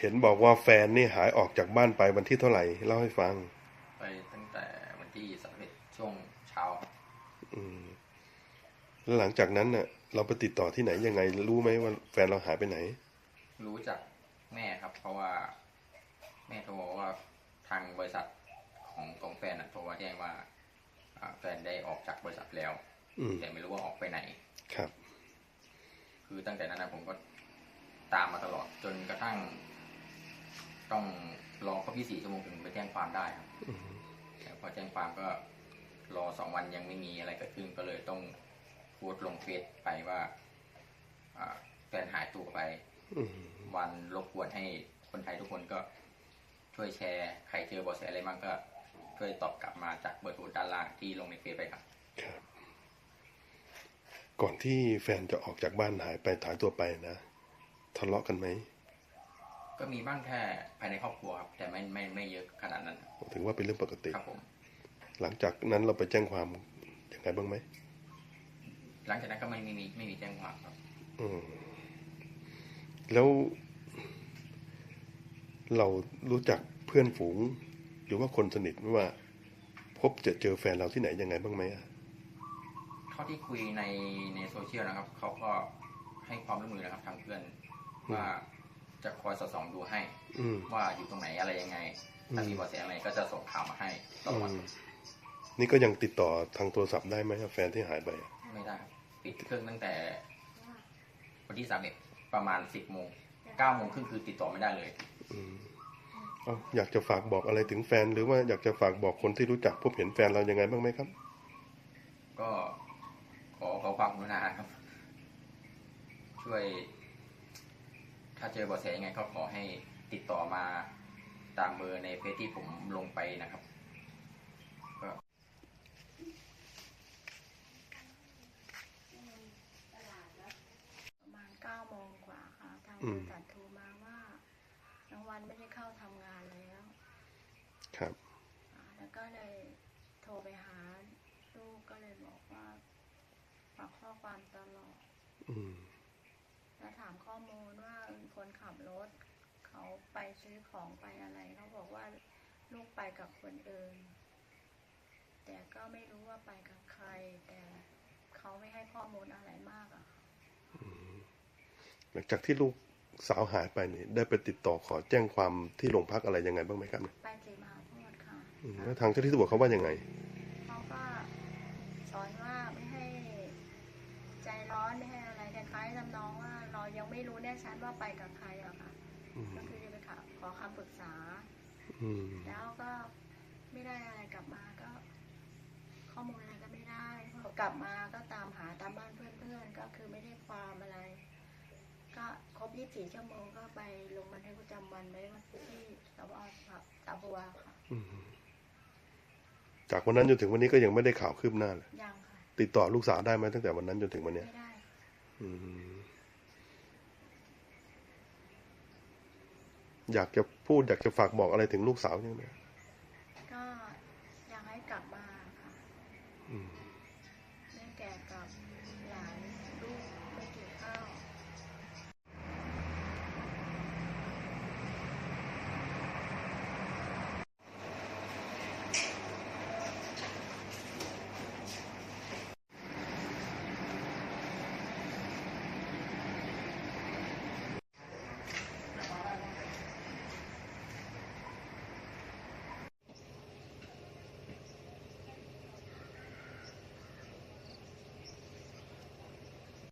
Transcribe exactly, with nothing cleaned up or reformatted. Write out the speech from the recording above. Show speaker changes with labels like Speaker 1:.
Speaker 1: เห็นบอกว่าแฟนนี่หายออกจากบ้านไปวันที่เท่าไหร่เล่าให้ฟัง
Speaker 2: ไปตั้งแต่วันที่สามสิบเอ็ดช่วงเช้า
Speaker 1: อืมแล้วหลังจากนั้นน่ะเราไปติดต่อที่ไหนยังไงรู้ไหมว่าแฟนเราหายไปไหน
Speaker 2: รู้จากแม่ครับเพราะว่าแม่โทรบอกว่าทางบริษัทของของแฟนโทรมาแจ้งว่าแฟนได้ออกจากบริษัทแล้วแต่ไม่รู้ว่าออกไปไหน
Speaker 1: ครับ
Speaker 2: คือตั้งแต่นั้นนะผมก็ตามมาตลอดจนกระทั่งต้องรอครบยี่สิบสี่ชั่วโมงถึงไปแจ้งความได้ครับแต่พอแจ้งความก็รอสองวันยังไม่มีอะไรเกิดขึ้นก็เลยต้องโพสต์ลงเฟซไปว่าแฟนหายตัวไปวันรบกวนให้คนไทยทุกคนก็ช่วยแชร์ใครเจอเบาะแสอะไรบ้างก็ช่วยตอบกลับมาจากเบอร์โทรด้านล่างที่ลงในเฟซไปครับ
Speaker 1: ครับก่อนที่แฟนจะออกจากบ้านหายไปหายตัวไปนะทะเลาะกันไหม
Speaker 2: ก็มีบ้างแค่ภายในครอบครัวครับแต่ไม่ไม่ไม่เยอะขนาดนั้น
Speaker 1: ถือว่าเป็นเรื่องปกติ
Speaker 2: ครับผม
Speaker 1: หลังจากนั้นเราไปแจ้งความยังไงบ้างไหม
Speaker 2: หลังจากนั้นก็ไม่ไม่มีไม่มีแจ้งความครับ
Speaker 1: อืมแล้วเรารู้จักเพื่อนฝูงหรือว่าคนสนิทว่าพบจะเจอแฟนเราที่ไหนยังไงบ้างไหมอ่ะ
Speaker 2: เท่าที่คุยในในโซเชียลนะครับเขาก็ให้ความร่วมมือนะครับทางเพื่อนว่าจะคอยสอดส่องดูให้ว่าอยู่ตรงไหนอะไรยังไงถ้ามีเบาะแสอะไรก็จะส่งข่าวมาให้ตลอด
Speaker 1: นี่ก็ยังติดต่อทางโทรศัพท์ได้ไหมครับแฟนที่หายไป
Speaker 2: ไม่ได้ปิดเครื่องตั้งแต่วันที่สามเอ็ดประมาณสิบโมงเก้าโมงครึ่งคือติดต่อไม่ได้เลย
Speaker 1: อ๋ออยากจะฝากบอกอะไรถึงแฟนหรือว่าอยากจะฝากบอกคนที่รู้จักพบเห็นแฟนเรายังไงบ้างไหมครับ
Speaker 2: ก็ขอขอความกรุณาครับช่วยถ้าเจอเบาะแสยังไงก็ขอให้ติดต่อมาตามเบอร์ในเฟซที่ผมลงไปนะครับก็
Speaker 3: ประมาณเก้าโมงกว่าค่ะทางบริษัทโทรมาว่าน้องวันไม่ได้เข้าทำงานแล้ว
Speaker 1: ครับ
Speaker 3: แล้วก็เลยโทรไปหาลูกก็เลยบอกว่าฝากข้อความตลอดแล้วถามข้อมูลว่าคนขับรถเขาไปซื้อของไปอะไรเขาบอกว่าลูกไปกับคนอื่นแต่ก็ไม่รู้ว่าไปกับใครแต่เขาไม่ให้ข้อมูลอะไรมากอะ
Speaker 1: หลังจากที่ลูกสาวหายไปนี่ได้ไปติดต่อขอแจ้งความที่โรงพักอะไรยังไงบ้างไหมครับ
Speaker 3: ไปสีมหาโพธิ์ค่ะ
Speaker 1: แล้วทางเจ้าที่ตำรวจเขาว่ายังไง
Speaker 3: เขาก็สอนว่าไม่ให้ใจร้อนไม่ให้อะไรคล้ายๆทำนองว่าเรายังไม่รู้แน่ชัดว่าไปกับใครอะค่ะก็คือจะไปขอคำปรึกษาแล้วก็ไม่ได้อะไรกลับมาก็ข้อมูลอะไรก็ไม่ได้กลับมาก็ตามหาตามบ้านเพื่อนๆก็คือไม่ได้ความอะไรก็ครบยี่สิบสี่ชั่วโมงก็ไปลงบันทึกประจำวันไว้ที่สพตาบัวค่ะ
Speaker 1: จากวันนั้นจนถึงวันนี้ก็ยังไม่ได้ข่าวคืบหน้าเลย
Speaker 3: ยังค่ะ
Speaker 1: ติดต่อลูกสาวได้ไหมตั้งแต่วันนั้นจนถึงวันนี้
Speaker 3: ไม่ได้
Speaker 1: อยากจะพูดอยากจะฝากบอกอะไรถึงลูกสาวยังไง